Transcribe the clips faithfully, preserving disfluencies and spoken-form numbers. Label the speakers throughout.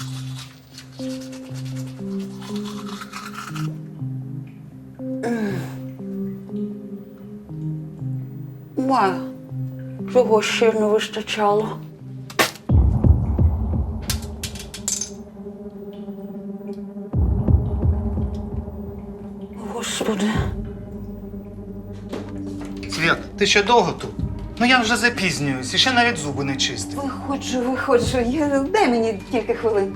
Speaker 1: Ма, чого ще не вистачало? Господи.
Speaker 2: Свят, ти ще довго тут? Ну я вже запізнююсь, і ще навіть зуби не чистив.
Speaker 1: Виходжу, виходжу. Я... Дай мені кілька хвилин.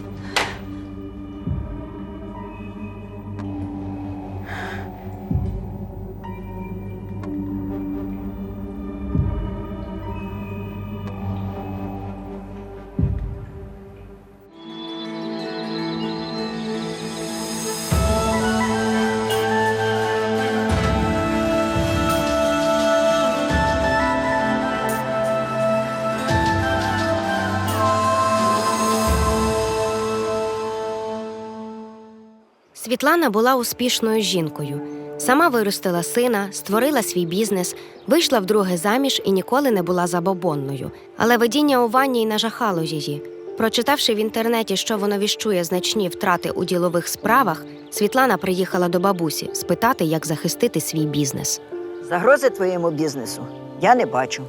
Speaker 3: Світлана була успішною жінкою. Сама виростила сина, створила свій бізнес, вийшла вдруге заміж і ніколи не була забобонною. Але видіння у ванні й нажахало її. Прочитавши в інтернеті, що воно віщує значні втрати у ділових справах, Світлана приїхала до бабусі спитати, як захистити свій бізнес.
Speaker 4: Загрози твоєму бізнесу я не бачу.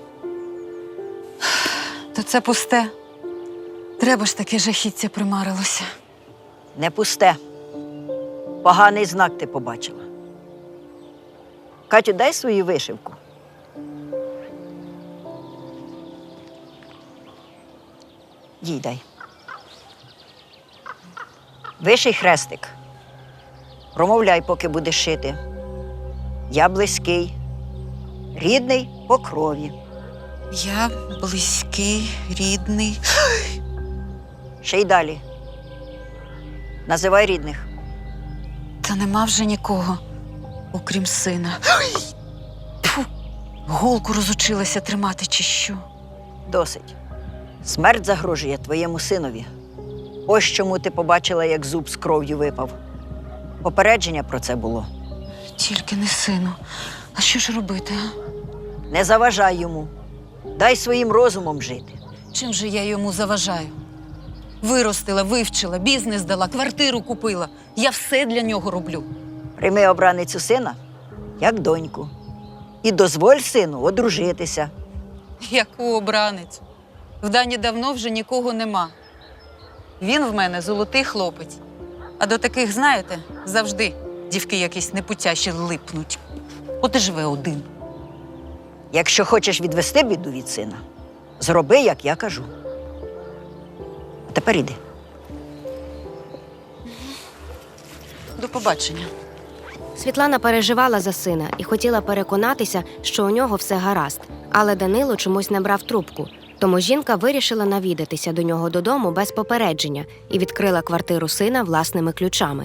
Speaker 5: То це пусте. Треба ж таке жахіття примарилося.
Speaker 4: Не пусте. Поганий знак ти побачила. Катю, дай свою вишивку. Їй дай. Виший хрестик. Промовляй, поки будеш шити. Я близький, рідний по крові.
Speaker 5: Я близький, рідний.
Speaker 4: Ще й далі. Називай рідних.
Speaker 5: Та нема вже нікого, окрім сина. Фу, голку розучилася тримати чи що.
Speaker 4: Досить. Смерть загрожує твоєму синові. Ось чому ти побачила, як зуб з кров'ю випав. Попередження про це було.
Speaker 5: Тільки не сину. А що ж робити, а?
Speaker 4: Не заважай йому. Дай своїм розумом жити.
Speaker 5: Чим же я йому заважаю? Виростила, вивчила, бізнес дала, квартиру купила. Я все для нього роблю.
Speaker 4: Прийми обраницю сина, як доньку. І дозволь сину одружитися.
Speaker 5: Яку обраницю? В Дані давно вже нікого нема. Він в мене золотий хлопець. А до таких, знаєте, завжди дівки якісь непутящі липнуть. От і живе один.
Speaker 4: Якщо хочеш відвести біду від сина, зроби, як я кажу. А тепер іди.
Speaker 5: До побачення.
Speaker 3: Світлана переживала за сина і хотіла переконатися, що у нього все гаразд. Але Данило чомусь не брав трубку. Тому жінка вирішила навідатися до нього додому без попередження і відкрила квартиру сина власними ключами.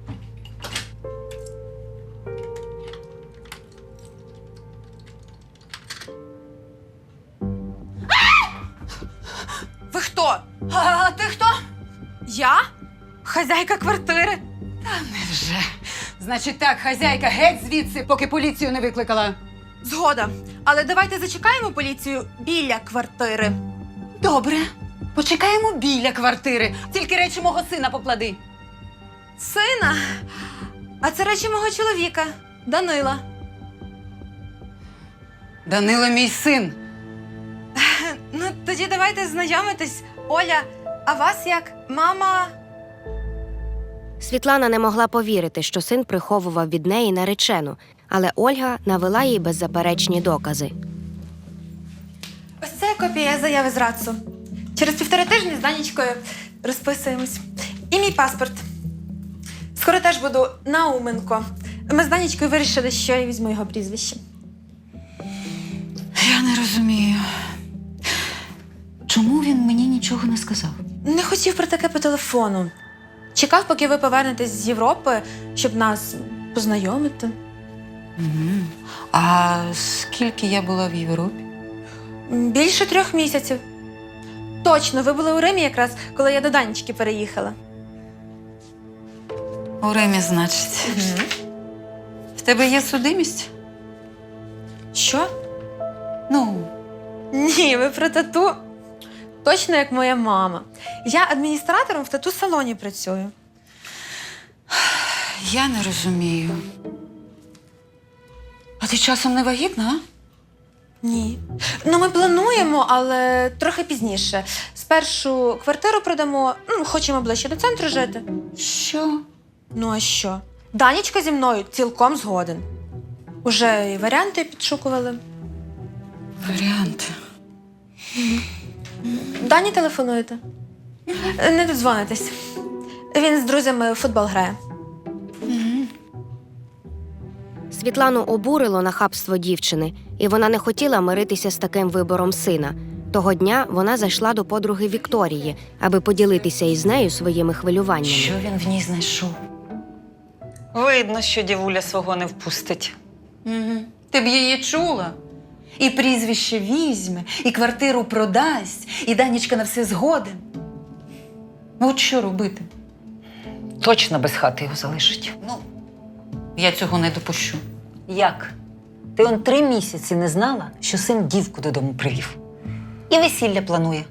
Speaker 5: Ви хто? А ти хто? Я? Хазяйка квартири? Та невже. Значить так, хазяйка, геть звідси, поки поліцію не викликала.
Speaker 6: Згода. Але давайте зачекаємо поліцію біля квартири.
Speaker 5: Добре. Почекаємо біля квартири. Тільки речі мого сина поклади.
Speaker 6: Сина? А це речі мого чоловіка, Данила.
Speaker 5: Данило мій син.
Speaker 6: Ну, тоді давайте знайомитись. Оля, а вас як? Мама?
Speaker 3: Світлана не могла повірити, що син приховував від неї наречену, але Ольга навела їй беззаперечні докази.
Speaker 6: Ось це копія заяви з РАЦУ. Через півтори тижні з Данічкою розписуємось. І мій паспорт. Скоро теж буду Науменко. Ми з Данічкою вирішили, що я візьму його прізвище.
Speaker 5: Я не розумію. Чому він мені нічого не сказав?
Speaker 6: Не хотів про таке по телефону. Чекав, поки ви повернетесь з Європи, щоб нас познайомити.
Speaker 5: Угу. А скільки я була в Європі?
Speaker 6: Більше трьох місяців. Точно, ви були у Римі якраз, коли я до Данічки переїхала.
Speaker 5: У Римі, значить.
Speaker 6: Угу.
Speaker 5: В тебе є судимість?
Speaker 6: Що?
Speaker 5: Ну,
Speaker 6: Ні, ви про тату. точно як моя мама. Я адміністратором в тату-салоні працюю.
Speaker 5: Я не розумію. А ти часом не вагітна, а?
Speaker 6: Ні. Ну, ми плануємо, але трохи пізніше. Спершу квартиру продамо, ну, хочемо ближче до центру жити.
Speaker 5: Що?
Speaker 6: Ну, а що? Данічка зі мною цілком згоден. Уже і варіанти підшукували.
Speaker 5: Варіанти.
Speaker 6: Дані телефонуєте? Не додзвонитесь. Він з друзями в футбол грає.
Speaker 3: Світлану обурило нахабство дівчини, і вона не хотіла миритися з таким вибором сина. Того дня вона зайшла до подруги Вікторії, аби поділитися із нею своїми хвилюваннями.
Speaker 7: Що він в ній знайшов? Видно, що дівуля свого не впустить.
Speaker 5: Угу. Ти б її чула? І прізвище візьме, і квартиру продасть, і Данічка на все згоден. Ну, от що робити?
Speaker 7: Точно без хати його залишить.
Speaker 5: Ну, я цього не допущу.
Speaker 7: Як? Ти он три місяці не знала, що син дівку додому привів. І весілля планує.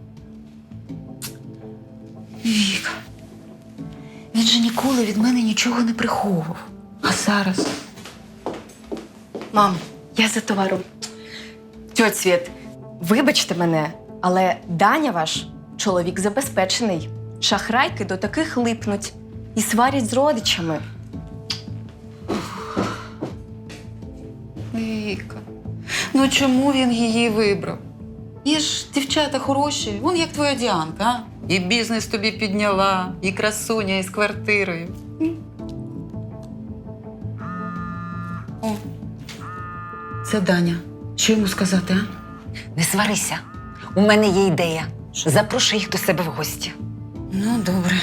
Speaker 5: Віка, він же ніколи від мене нічого не приховував. А зараз?
Speaker 8: Мам, я за товаром. Тьоть Світ, вибачте мене, але Даня ваш чоловік забезпечений. Шахрайки до таких липнуть і сварять з родичами.
Speaker 5: Віка, ну чому він її вибрав? Є ж дівчата хороші, вон як твоя Діанка, а? І бізнес тобі підняла, і красуня із квартирою. М? О, це Даня. Що йому сказати, а?
Speaker 7: Не сварися. У мене є ідея. Запрошуй їх до себе в гості.
Speaker 5: Ну, добре.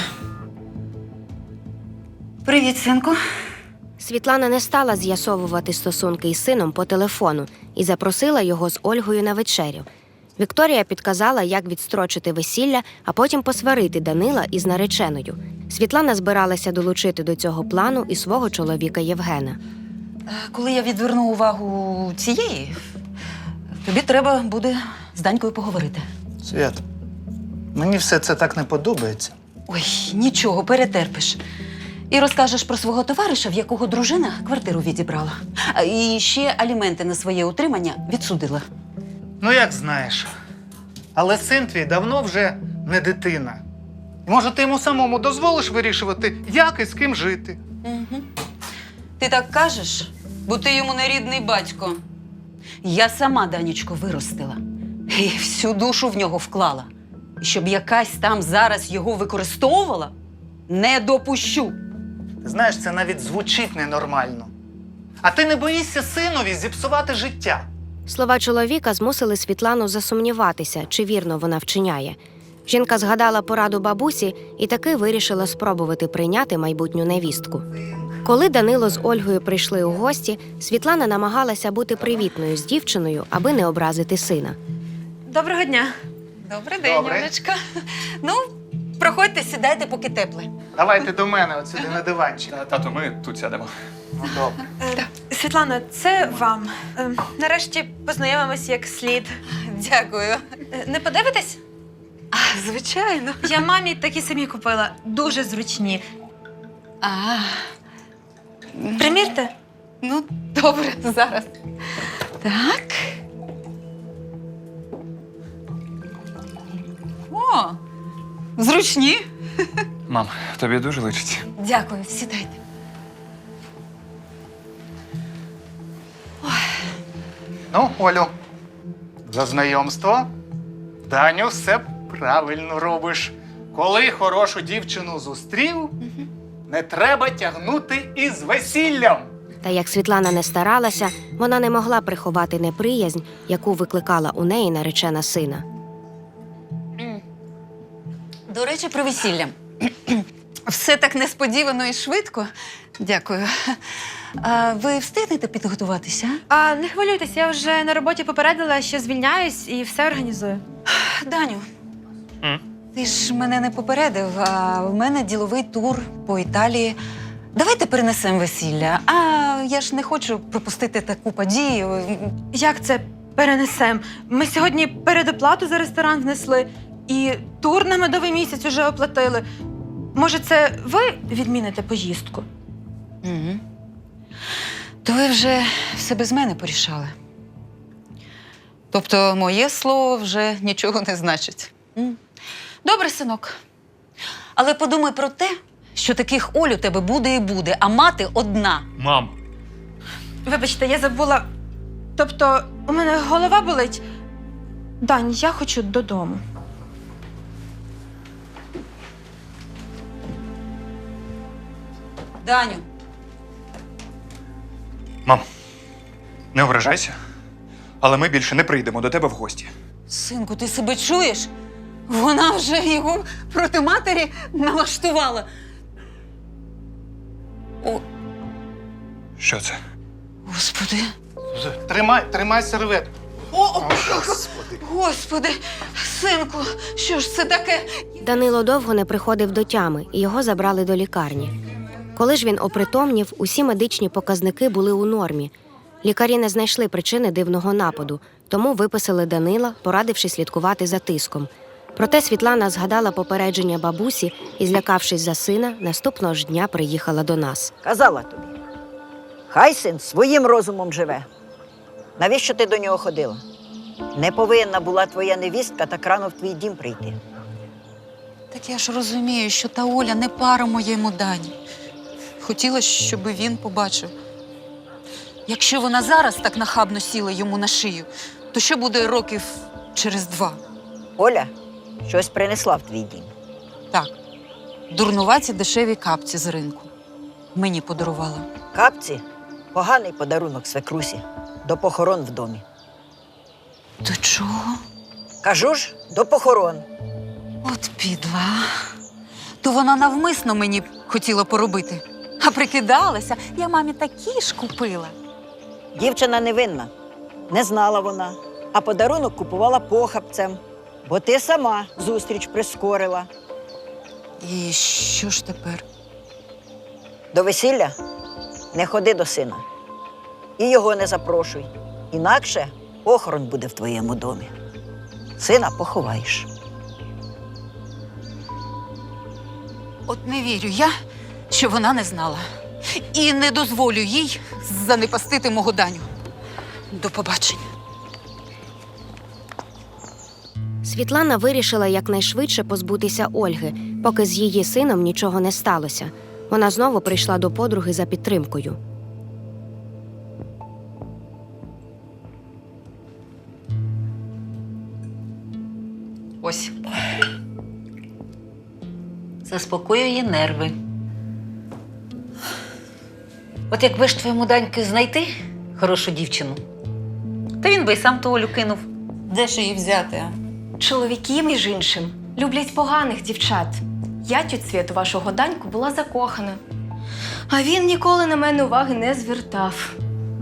Speaker 5: Привіт, синку.
Speaker 3: Світлана не стала з'ясовувати стосунки із сином по телефону і запросила його з Ольгою на вечерю. Вікторія підказала, як відстрочити весілля, а потім посварити Данила із нареченою. Світлана збиралася долучити до цього плану і свого чоловіка Євгена.
Speaker 5: Коли я відверну увагу цієї, тобі треба буде з Данькою поговорити.
Speaker 2: Свят, мені все це так не подобається.
Speaker 5: Ой, нічого, перетерпиш. І розкажеш про свого товариша, в якого дружина квартиру відібрала. А, І ще аліменти на своє утримання відсудила.
Speaker 2: Ну, як знаєш. Але син твій давно вже не дитина. І, може, ти йому самому дозволиш вирішувати, як і з ким жити.
Speaker 5: Угу. Ти так кажеш, бо ти йому не рідний батько. Я сама Данічку виростила і всю душу в нього вклала. І щоб якась там зараз його використовувала, не допущу.
Speaker 2: Ти знаєш, це навіть звучить ненормально. А ти не боїшся синові зіпсувати життя?
Speaker 3: Слова чоловіка змусили Світлану засумніватися, чи вірно вона вчиняє. Жінка згадала пораду бабусі і таки вирішила спробувати прийняти майбутню невістку. Коли Данило з Ольгою прийшли у гості, Світлана намагалася бути привітною з дівчиною, аби не образити сина.
Speaker 6: Доброго дня.
Speaker 5: Добрий день,
Speaker 2: Добре.
Speaker 5: Олечка. Ну, проходьте, сідайте, поки тепле.
Speaker 2: Давайте до мене, от сюди на диванчик.
Speaker 9: Тату, ми тут сядемо.
Speaker 2: Ну, добре.
Speaker 6: Е, Світлана, це вам. Е, нарешті познайомимось як слід.
Speaker 5: Дякую.
Speaker 6: Е, не подивитесь?
Speaker 5: А, звичайно.
Speaker 6: Я мамі такі самі купила. Дуже зручні.
Speaker 5: А,
Speaker 6: Примірте?
Speaker 5: ну, добре, зараз. Так. О, зручні.
Speaker 9: Мам, тобі дуже личить.
Speaker 5: Дякую, сідайте.
Speaker 2: Ну, Олю, за знайомство. Даню, все правильно робиш. Коли хорошу дівчину зустрів, не треба тягнути із весіллям.
Speaker 3: Та як Світлана не старалася, вона не могла приховати неприязнь, яку викликала у неї наречена сина.
Speaker 5: До речі, про весілля. Все так несподівано і швидко. Дякую. А ви встигнете підготуватися?
Speaker 6: А не хвилюйтесь, я вже на роботі попередила, що звільняюсь і все організую.
Speaker 5: Даню,
Speaker 2: М?
Speaker 5: ти ж мене не попередив, а в мене діловий тур по Італії. Давайте перенесемо весілля. А я ж не хочу пропустити таку подію.
Speaker 6: Як це перенесем? Ми сьогодні передоплату за ресторан внесли і тур на медовий місяць уже оплатили. Може, це ви відміните поїздку?
Speaker 5: Угу. То ви вже все без мене порішали. Тобто моє слово вже нічого не значить. М? Добре, синок. Але подумай про те, що таких Оль у тебе буде і буде, а мати одна.
Speaker 9: Мам!
Speaker 6: Вибачте, я забула. Тобто, у мене голова болить. Дань, я хочу додому.
Speaker 5: Даню,
Speaker 9: Мам, не ображайся, але ми більше не прийдемо до тебе в гості.
Speaker 5: синку, ти себе чуєш? Вона вже його проти матері налаштувала. О,
Speaker 9: Що це?
Speaker 5: Господи.
Speaker 2: Тримай, тримай серветку.
Speaker 5: О, о, Господи, синку, що ж це таке?
Speaker 3: Данило довго не приходив до тями, і його забрали до лікарні. Коли ж він опритомнів, усі медичні показники були у нормі. Лікарі не знайшли причини дивного нападу, тому виписали Данила, порадивши слідкувати за тиском. Проте Світлана згадала попередження бабусі і, злякавшись за сина, наступного ж дня приїхала до нас.
Speaker 4: Казала тобі. Хай син своїм розумом живе. Навіщо ти до нього ходила? Не повинна була твоя невістка так рано в твій дім прийти.
Speaker 5: Так я ж розумію, що та Оля не пара моєму Дані. Хотіла, щоб він побачив. Якщо вона зараз так нахабно сіла йому на шию, то що буде років через два?
Speaker 4: Оля щось принесла в твій дім.
Speaker 5: Так, дурнуваті дешеві капці з ринку. Мені подарувала.
Speaker 4: Капці – поганий подарунок свекрусі до похорон в домі.
Speaker 5: До чого?
Speaker 4: Кажу ж, до похорон.
Speaker 5: От підла. То вона навмисно мені хотіла поробити. А прикидалася, я мамі такі ж купила.
Speaker 4: Дівчина невинна. Не знала вона, а подарунок купувала похабцем, бо ти сама зустріч прискорила.
Speaker 5: І що ж тепер?
Speaker 4: До весілля не ходи до сина. І його не запрошуй. Інакше похорон буде в твоєму домі. Сина поховаєш.
Speaker 5: От не вірю я, що вона не знала. І не дозволю їй занепастити мого Даню. До побачення.
Speaker 3: Світлана вирішила якнайшвидше позбутися Ольги, поки з її сином нічого не сталося. Вона знову прийшла до подруги за підтримкою.
Speaker 7: Ось. Заспокоює нерви. От якби ж твоєму Даньки знайти хорошу дівчину, та він би й сам ту Олю кинув.
Speaker 5: Де ж її взяти, а?
Speaker 8: Чоловіки, між іншим, люблять поганих дівчат. Я, тьоть Свєт, у вашого Даньку була закохана. А він ніколи на мене уваги не звертав.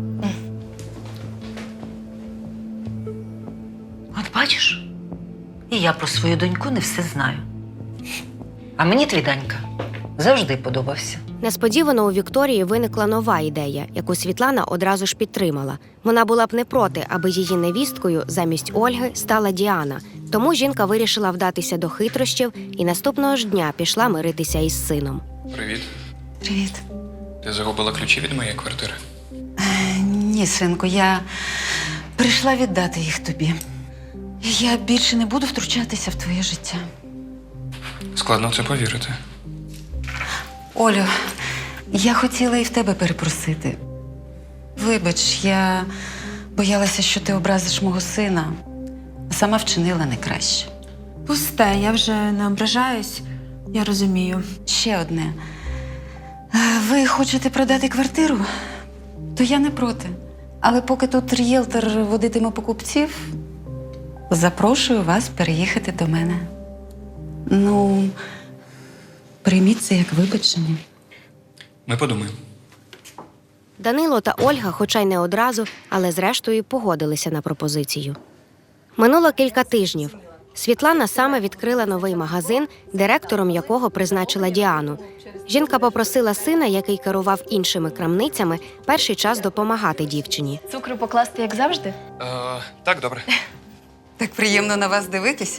Speaker 7: От бачиш, і я про свою доньку не все знаю. А мені твій Данька завжди подобався.
Speaker 3: Несподівано у Вікторії виникла нова ідея, яку Світлана одразу ж підтримала. Вона була б не проти, аби її невісткою замість Ольги стала Діана. Тому жінка вирішила вдатися до хитрощів і наступного ж дня пішла миритися із сином.
Speaker 9: Привіт.
Speaker 5: Привіт.
Speaker 9: Ти загубила ключі від моєї квартири?
Speaker 5: Ні, синку, я прийшла віддати їх тобі. Я більше не буду втручатися в твоє життя.
Speaker 9: Складно в це повірити.
Speaker 5: Олю, я хотіла і в тебе перепросити. Вибач, я боялася, що ти образиш мого сина, а сама вчинила не краще.
Speaker 6: Пусте, я вже не ображаюсь. Я розумію.
Speaker 5: Ще одне. Е, Ви хочете продати квартиру? То я не проти. Але поки тут рієлтор водитиме покупців, запрошую вас переїхати до мене. Ну, прийміть це як вибачення.
Speaker 9: Ми подумаємо.
Speaker 3: Данило та Ольга, хоча й не одразу, але зрештою погодилися на пропозицію. Минуло кілька тижнів. Світлана саме відкрила новий магазин, директором якого призначила Діану. Жінка попросила сина, який керував іншими крамницями, перший час допомагати дівчині.
Speaker 8: Цукру покласти, як завжди?
Speaker 9: Е, так, добре.
Speaker 5: Так приємно на вас дивитись.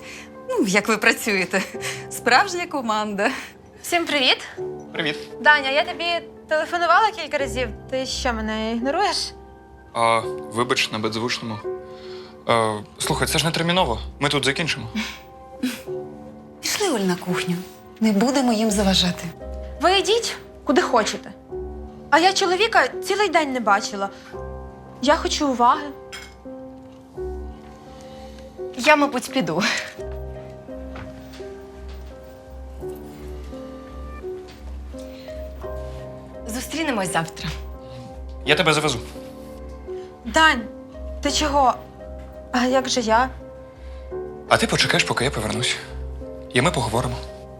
Speaker 5: Ну, як ви працюєте. Справжня команда.
Speaker 6: Всім привіт!
Speaker 9: Привіт.
Speaker 6: Даня, я тобі телефонувала кілька разів. Ти що, мене ігноруєш?
Speaker 9: А, вибач, на беззвучному. А, слухай, це ж не терміново. Ми тут закінчимо.
Speaker 5: Пішли, Оль, на кухню. Не будемо їм заважати.
Speaker 6: Ви йдіть, куди хочете. А я чоловіка цілий день не бачила. Я хочу уваги.
Speaker 8: Я, мабуть, піду. Зустрінемось завтра.
Speaker 9: Я тебе завезу.
Speaker 6: Дань, ти чого? А як же я?
Speaker 9: А ти почекаєш, поки я повернусь. І ми поговоримо.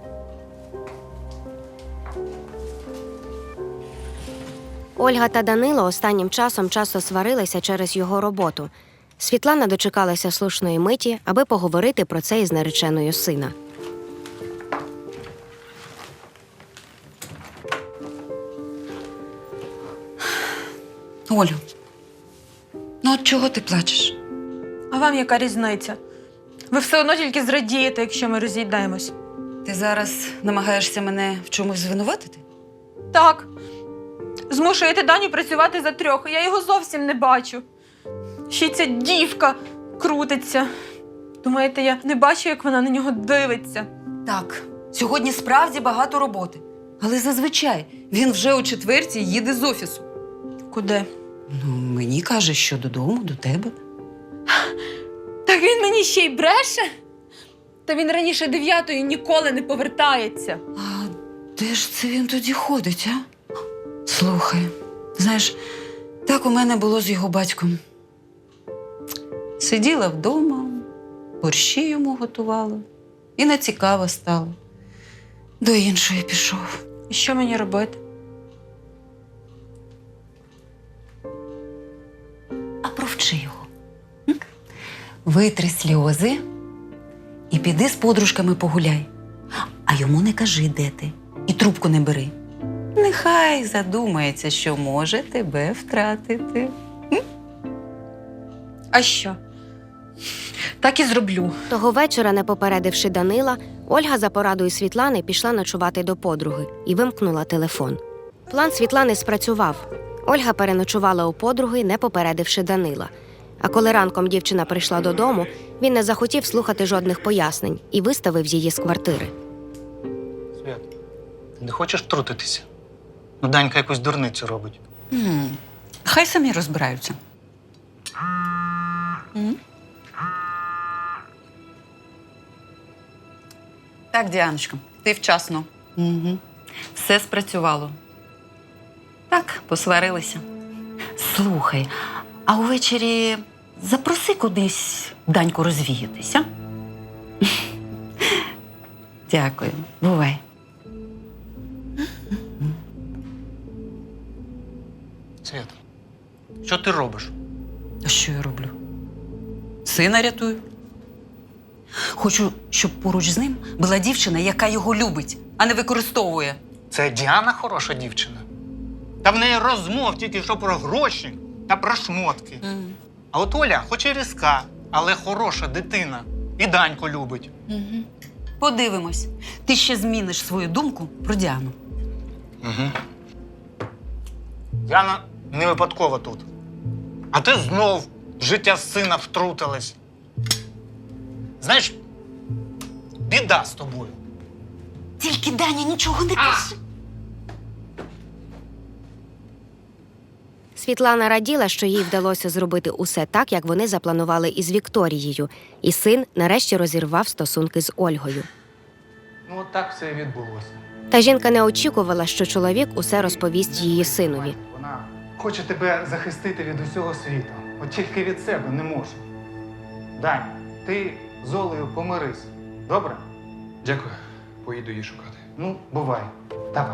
Speaker 3: Ольга та Данило останнім часом часто сварилися через його роботу. Світлана дочекалася слушної миті, аби поговорити про це із нареченою сина.
Speaker 5: Олю, ну от чого ти плачеш?
Speaker 6: А вам яка різниця? Ви все одно тільки зрадієте, якщо ми розійдемось.
Speaker 5: Ти зараз намагаєшся мене в чомусь звинуватити?
Speaker 6: Так. Змушуєте Даню працювати за трьох, а я його зовсім не бачу. Ще й ця дівка крутиться. Думаєте, я не бачу, як вона на нього дивиться?
Speaker 5: Так, сьогодні справді багато роботи. Але зазвичай він вже о четвертій їде з офісу.
Speaker 6: Куди?
Speaker 5: Ну, мені каже, що додому, до тебе.
Speaker 6: Так він мені ще й бреше? Та він раніше дев'ятої ніколи не повертається.
Speaker 5: А де ж це він тоді ходить, а? Слухай, знаєш, так у мене було з його батьком. Сиділа вдома, борщі йому готувала. І не цікаво стало. До іншої пішов.
Speaker 6: І що мені робити?
Speaker 5: А провчи його. М? Витри сльози і піди з подружками погуляй. А йому не кажи, де ти. І трубку не бери. Нехай задумається, що може тебе втратити.
Speaker 6: А що? Так і зроблю.
Speaker 3: Того вечора, не попередивши Данила, Ольга за порадою Світлани пішла ночувати до подруги і вимкнула телефон. План Світлани спрацював. Ольга переночувала у подруги, не попередивши Данила. А коли ранком дівчина прийшла додому, він не захотів слухати жодних пояснень і виставив її з квартири.
Speaker 2: Свят, ти не хочеш втрутитися? Ну, Данька якусь дурницю робить.
Speaker 5: М, Хай самі розбираються. М? Так, Діаночко, ти вчасно. Угу. Все спрацювало. Так, посварилися. Слухай, а увечері запроси кудись Даньку розвіятися. Дякую. Бувай.
Speaker 2: Свят, що ти робиш?
Speaker 5: А що я роблю? Сина рятую. Хочу, щоб поруч з ним була дівчина, яка його любить, а не використовує.
Speaker 2: Це Діана хороша дівчина. Та в неї розмов тільки що про гроші та про шмотки.
Speaker 5: Mm.
Speaker 2: А от Оля, хоч і різка, але хороша дитина. І Даньку любить.
Speaker 5: Угу. Подивимось. Ти ще зміниш свою думку про Діану.
Speaker 2: Угу. Діана не випадково тут. А ти знов в життя сина втрутилась. Знаєш, біда з тобою.
Speaker 5: Тільки Даня нічого не каже.
Speaker 3: Світлана раділа, що їй вдалося зробити усе так, як вони запланували із Вікторією, і син нарешті розірвав стосунки з Ольгою.
Speaker 2: Ну, от так все і відбулося.
Speaker 3: Та жінка не очікувала, що чоловік усе розповість її синові.
Speaker 2: Вона хоче тебе захистити від усього світу. От тільки від себе не може. Дань, ти з Олею помирись. Добре?
Speaker 9: Дякую. Поїду її шукати.
Speaker 2: Ну, бувай. Давай.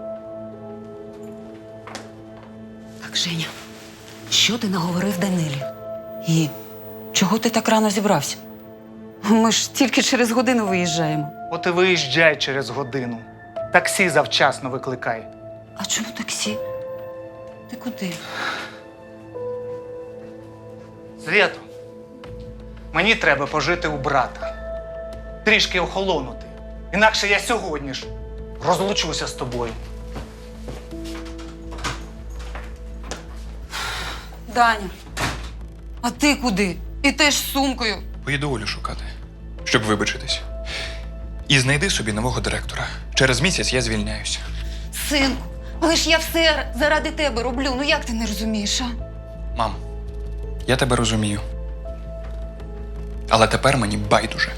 Speaker 5: Так, Женя, що ти наговорив Данилі? І чого ти так рано зібрався? Ми ж тільки через годину виїжджаємо.
Speaker 2: От і виїжджай через годину. Таксі завчасно викликай.
Speaker 5: А чому таксі? Ти куди?
Speaker 2: Свято, мені треба пожити у брата. трішки охолонути. Інакше я сьогодні ж розлучуся з тобою.
Speaker 5: Даня, а ти куди? І теж з сумкою.
Speaker 9: Поїду Олю шукати, щоб вибачитись. І знайди собі нового директора. Через місяць я звільняюся.
Speaker 5: Синку, але ж я все заради тебе роблю. Ну як ти не розумієш, а?
Speaker 9: Мам, я тебе розумію. Але тепер мені байдуже.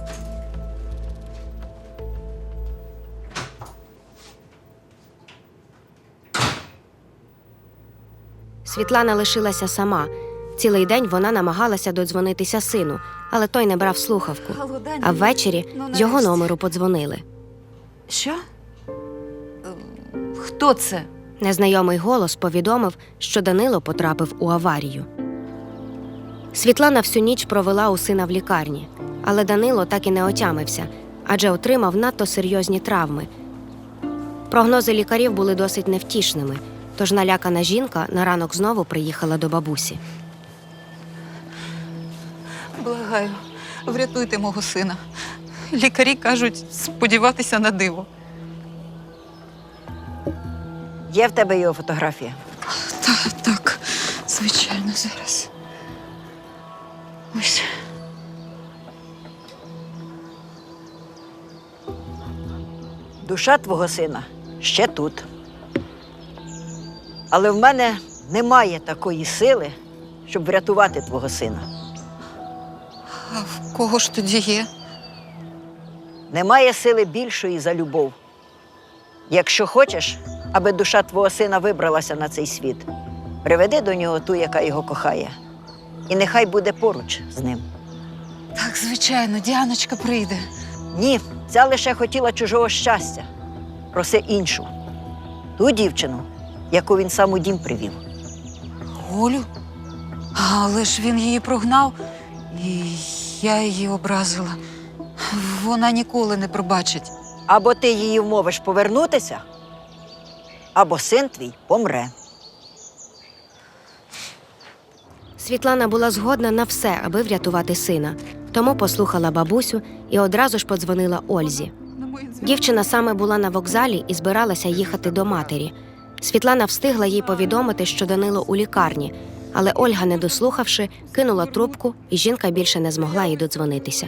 Speaker 3: Світлана лишилася сама. Цілий день вона намагалася додзвонитися сину, але той не брав слухавку.
Speaker 5: Алло, Даня,
Speaker 3: А ввечері
Speaker 5: ну,
Speaker 3: з його
Speaker 5: нарешті.
Speaker 3: номеру подзвонили.
Speaker 5: Що? Хто це?
Speaker 3: Незнайомий голос повідомив, що Данило потрапив у аварію. Світлана всю ніч провела у сина в лікарні, але Данило так і не отямився, адже отримав надто серйозні травми. Прогнози лікарів були досить невтішними, тож налякана жінка на ранок знову приїхала до бабусі.
Speaker 5: Благаю, врятуйте мого сина. Лікарі кажуть, сподіватися на диво.
Speaker 4: Є в тебе його фотографія?
Speaker 5: Так, так, звичайно, зараз. Ось.
Speaker 4: Душа твого сина ще тут. Але в мене немає такої сили, щоб врятувати твого сина.
Speaker 5: А в кого ж тоді є?
Speaker 4: Немає сили більшої за любов. Якщо хочеш, аби душа твого сина вибралася на цей світ, приведи до нього ту, яка його кохає. І нехай буде поруч з ним.
Speaker 5: Так, звичайно, Діаночка прийде.
Speaker 4: Ні, ця лише хотіла чужого щастя. Проси іншу. Ту дівчину, яку він сам у дім привів.
Speaker 5: Олю? Але ж він її прогнав, і я її образила. Вона ніколи не пробачить.
Speaker 4: Або ти її вмовиш повернутися, або син твій помре.
Speaker 3: Світлана була згодна на все, аби врятувати сина, тому послухала бабусю і одразу ж подзвонила Ользі. Дівчина саме була на вокзалі і збиралася їхати до матері. Світлана встигла їй повідомити, що Данило у лікарні, але Ольга, не дослухавши, кинула трубку, і жінка більше не змогла їй додзвонитися.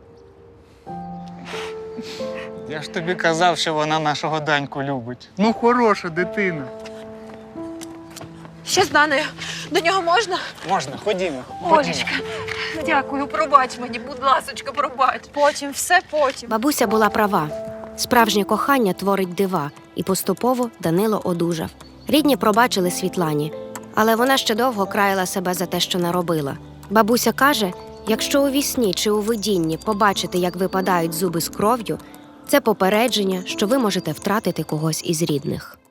Speaker 2: Я ж тобі казав, що вона нашого Даньку любить. Ну, хороша дитина.
Speaker 6: Ще з Даною. До нього можна?
Speaker 2: Можна, ходімо.
Speaker 5: Олечка, дякую, пробач мені, будь ласочка, пробач.
Speaker 6: Потім, все потім.
Speaker 3: Бабуся була права. Справжнє кохання творить дива, і поступово Данило одужав. Рідні пробачили Світлані, але вона ще довго краяла себе за те, що наробила. Бабуся каже, якщо у вісні чи у видінні побачите, як випадають зуби з кров'ю, це попередження, що ви можете втратити когось із рідних.